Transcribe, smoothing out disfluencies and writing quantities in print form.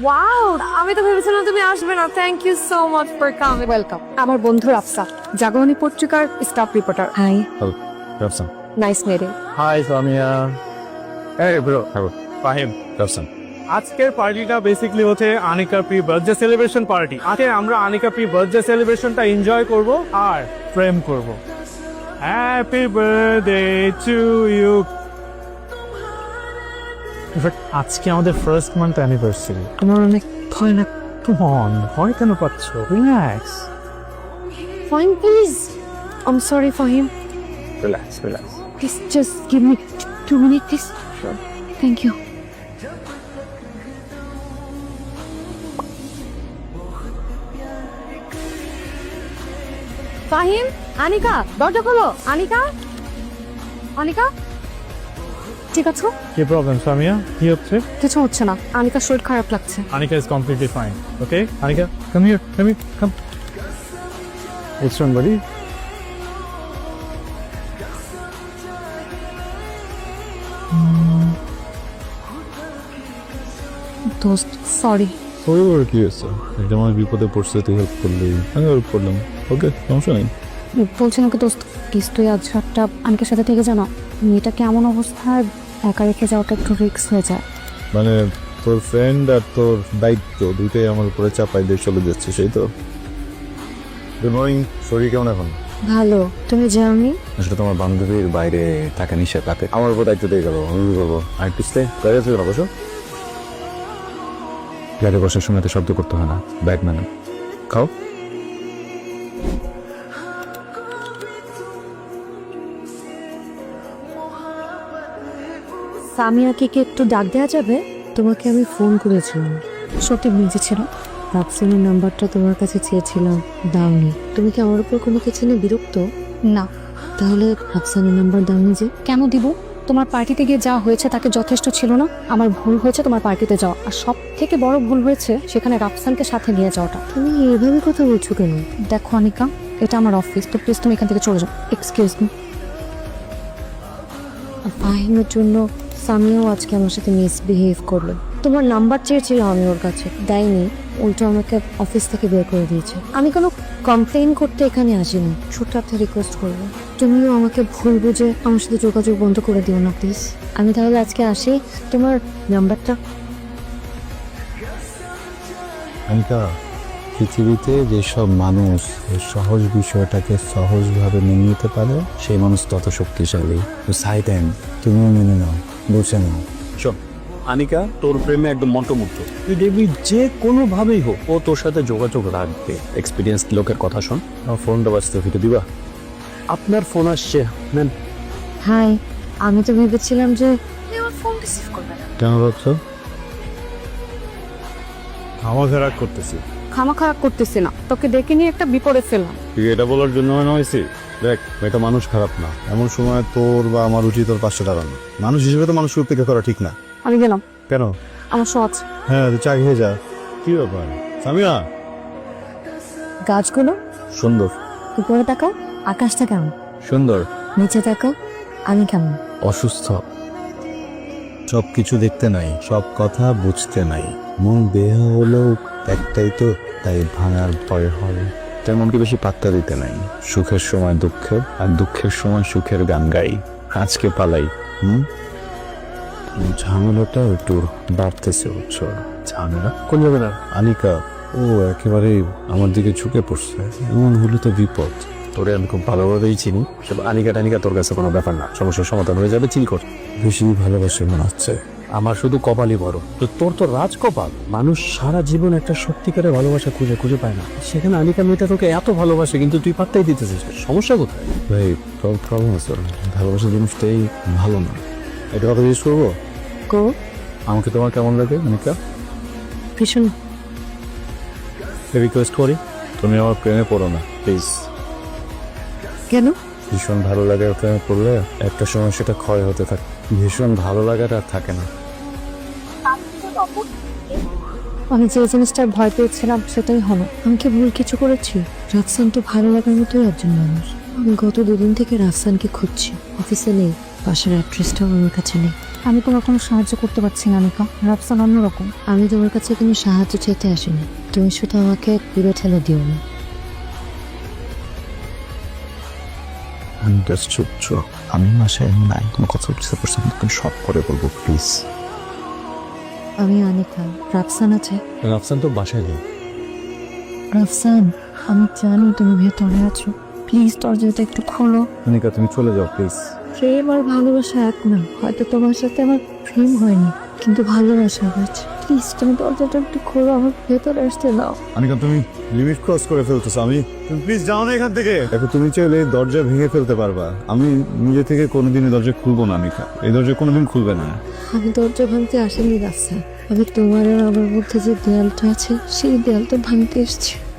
Wow, আমি তো ভেবেছিলাম তুমি আসবে না। Thank you so much for coming. Welcome. আমার বন্ধু রাফসা, জাগরণী পত্রিকার staff reporter. Hi, Hello, Rafsan. Nice meeting. Hi, Samia. Hey, bro. Hello. Fahim. Rafsan. আজকের পার্টিটা বেসিক্যালি হচ্ছে Anika pre birthday celebration party. আজকে আমরা আনিকা প্রি বার্থডে সেলিব্রেশনটা এনজয় করব আর প্রেম করব। Happy birthday to you. আজকে আমাদের ফার্স্ট মান্থ অ্যানিভার্সারি। আমার অনেক ভয় লাগ। কমন, ভয় কেন পাচ্ছ? Relax fine please. I am sorry Fahim. Relax relax. Please just give me 2 minute please. Thank you. Fahim, Anika, দরজা খোলো। আনিকা, আনিকা, ঠিক আছে? কি প্রবলেম সামিয়া? কি হচ্ছে? কিছু হচ্ছে না, আনিকার শরীর খারাপ লাগছে। Anika is completely fine. Okay, Anika, come here, come. What's wrong, buddy? দোস্ত, সরি। সরি বলে কি হয়েছে? একটা মানুষ বিপদে পড়ছে, তুই হেল্প করলি, আমি হেল্প করলাম। ওকে, সমস্যা নেই। বলছিলাম কি দোস্ত, প্লিজ তুই আজ রাতটা আনিকার সাথে থেকে জানো, মেয়েটা কেমন অবস্থায় একা রেখে যাওয়াটা একটু রিস্ক হয়ে যায়। মানে তোর ফ্রেন্ড আর তোর দায়িত্ব দুইটাই আমার উপরে চাপাই দিয়ে চলে যাচ্ছে, সেই তো। Good morning. শরীর কেমন এখন? ভালো, তুমি জানি। আসলে তোমার বান্ধবীর বাইরে থাকা নিষেধ, রাতে আমার উপর দায়িত্ব দিয়ে গেল, আমি কি করবো? আর একটু স্টে গাড়ি আছে না, বসো। গাড়ি বসার সময় তো শব্দ করতে হয় না, ব্যাগ ম্যান। খাও। সামিয়াকে কি একটু ডাক দেওয়া যাবে? তোমাকে আমি ফোন করেছিলাম, সত্যি বিজি ছিল। রাফসানের নাম্বারটা তোমার কাছে চেয়েছিলাম, দাওনি। তুমি কি আমার উপর কোনো কিছু নিয়ে বিরক্ত? না। তাহলে রাফসানের নাম্বার দাওনি যে? কেন দিব? তোমার পার্টিতে গিয়ে যা হয়েছে তাকে যথেষ্ট ছিল না? আমার ভুল হয়েছে তোমার পার্টিতে যাওয়া, আর সব থেকে বড় ভুল হয়েছে সেখানে রাফসানকে সাথে নিয়ে যাওয়াটা। তুমি এভাবে কথা বলছো কেন? দেখো অনিকা, এটা আমার অফিস, তো প্লিজ তুমি এখান থেকে চলে যাও। Excuse me. ফাহিমের জন্য সামিয়াও আজকে আমার সাথে মিসবিহেভ করলো। তোমার নাম্বার চেয়েছিলাম আমি ওর কাছে, দেয়নি, উল্টো আমাকে অফিস থেকে বের করে দিয়েছে। আমি কোনো কমপ্লেন করতে এখানে আসিনি, ছোট্ট একটা রিকোয়েস্ট করবো, তুমিও আমাকে ভুল বুঝে আমার সাথে যোগাযোগ বন্ধ করে দিও না প্লিজ। আমি তাহলে আজকে আসি, তোমার নাম্বারটা। আনিকা, পৃথিবীতে যেসব মানুষ এই সহজ বিষয়টাকে সহজভাবে মেনে নিতে পারে, সেই মানুষ তত শক্তিশালী। তো সাইডেন তুমিও মেনে নাও, বুঝে নাও। শোন আনিকা, তোর প্রেমে একদম মন্ত্রমুগ্ধ। তুই দেখবি যে কোনোভাবেই হোক ও তোর সাথে যোগাযোগ রাখবে। এক্সপিরিয়েন্স লোকের কথা শোন। আমার ফোনটা বাঁচতে ফিরে দিবা? আপনার ফোন আসছে, নেন। হাই, আমি তো ভেবেছিলাম যে আমার ফোন রিসিভ করবে না। কেন ভাবছো? আমাকে রাগ করতেছি। খামা খারাপ করতেছি না, তোকে ডেকে নিয়ে একটা বিপদে ফেললাম। তুই এটা বলার জন্য মনে হয়েছি? দেখ, এটা মানুষ খারাপ না, এমন সময় তোর বা আমার উচিত তোর পাশে দাঁড়ানো। মানুষ হিসেবে তো মানুষকে উপেক্ষা করা ঠিক না। আমি গেলাম, কেন? আমার সহজ। হ্যাঁ, তুই চা খেয়ে যা। কি ব্যাপার সামিয়া? গাছগুলো সুন্দর। উপরে তাকাও, আকাশটা কেমন? সুন্দর। নিচে তাকাও, আমি কেমন? অসুস্থ। সব কিছু দেখতে নাই, সব কথা বুঝতে নাই। মন দেহ হলেও একটাই তো, তাই ভাঙার ভয় হয়। তাই মনকে বেশি পাত্তা দিতে নাই। সুখের সময় দুঃখের, আর দুঃখের সময় সুখের গান গাই। আজকে পালাই। ঝামেলাটা একটু বাড়তেছে, বুঝছো? ঝামেলা কোন যাবে না? আনিকা ও একেবারে আমার দিকে ঝুঁকে পড়ছে, এমন হলে তো বিপদ। তোরে আমি খুব ভালোভাবেই চিনি। সব আনিকা টানিকা তোর কাছে কোনো ব্যাপার না, সমস্যার সমাধান হয়ে যাবে, চিল কর। বেশি ভালোবাসে মনে হচ্ছে। আমার শুধু কপালই বড়, তো তোর তো রাজ কপাল। মানুষ সারা জীবন একটা সত্যিকারের ভালোবাসা খুঁজে খুঁজে পায় না, সেখানে আনিকা মেয়েটা তোকে এত ভালোবাসে, কিন্তু তুই পাত্তাই দিতেছিস না। সমস্যা কোথায়? ভাই, প্রবলেম আছে। ভালোবাসা জিনিসটাই ভালো না। এটা কথা জিজ্ঞেস করবো? গো, আমাকে তোমার কেমন লাগে আনিকা? ভীষণ। রিকোয়েস্ট করি, তুমি আমার প্রেমে পড়ো না প্লিজ। কেন? ভীষণ ভালো লাগার প্রেমে পড়লে একটা সময় সেটা ক্ষয় হতে থাকে। ভীষণ ভালো লাগাটা আর থাকে না। আমি যে জিনিসটার ভয় পেয়েছিলাম সেটাই হলো। আমি কি ভুল কিছু করেছি? রাফসান তো ভালো লাগার মতোই একজন মানুষ। আমি গত 2 দিন থেকে রাফসানকে খুঁজছি, অফিসে নেই, বাসার অ্যাড্রেসটাও আমার কাছে নেই। আমি তোমার কোনো সাহায্য করতে পারছি না আনিকা। রাফসান অন্যরকম। আমি তোমার কাছে কোনো সাহায্য চাইতে আসিনি, তুমি শুধু আমাকে দূরে ঠেলে দিও না। আমি জাস্ট চুপ। আমি মাসে নাই কোনো কথা বুঝতে পারছি না, কিন্তু সব করে বলবো প্লিজ। আমি আনিকা। রাফসান আছে? রাফসান তো বাসায় নেই। রাফসান, আমি জানি তুমি ভেতরে আছো, প্লিজ দরজাটা একটু খোলো। আনিকা তুমি চলে যাও প্লিজ। প্রেম আর ভালোবাসা এক না। হয়তো তোমার সাথে আমার প্রেম হয়নি, কিন্তু ভালোবাসা হয়েছে। প্লিজ তুমি দরজাটা একটু খোলো, আমার ভেতরে আসতে দাও। আনিকা তুমি লিমিট ক্রস করে ফেলতেছো। তুমি প্লিজ যাও না এখান থেকে। দেখো তুমি চাইলে দরজা ভেঙে ফেলতে পারবা, আমি নিজে থেকে কোনোদিনই দরজা খুলবো না আনিকা। এই দরজা কোনোদিন খুলবে না। আমি দরজা ভাঙতে আসেনি রাফসান, আমি তোমার আর আমার মধ্যে যে দেয়ালটা আছে সেই দেয়ালটা ভাঙতে এসেছি।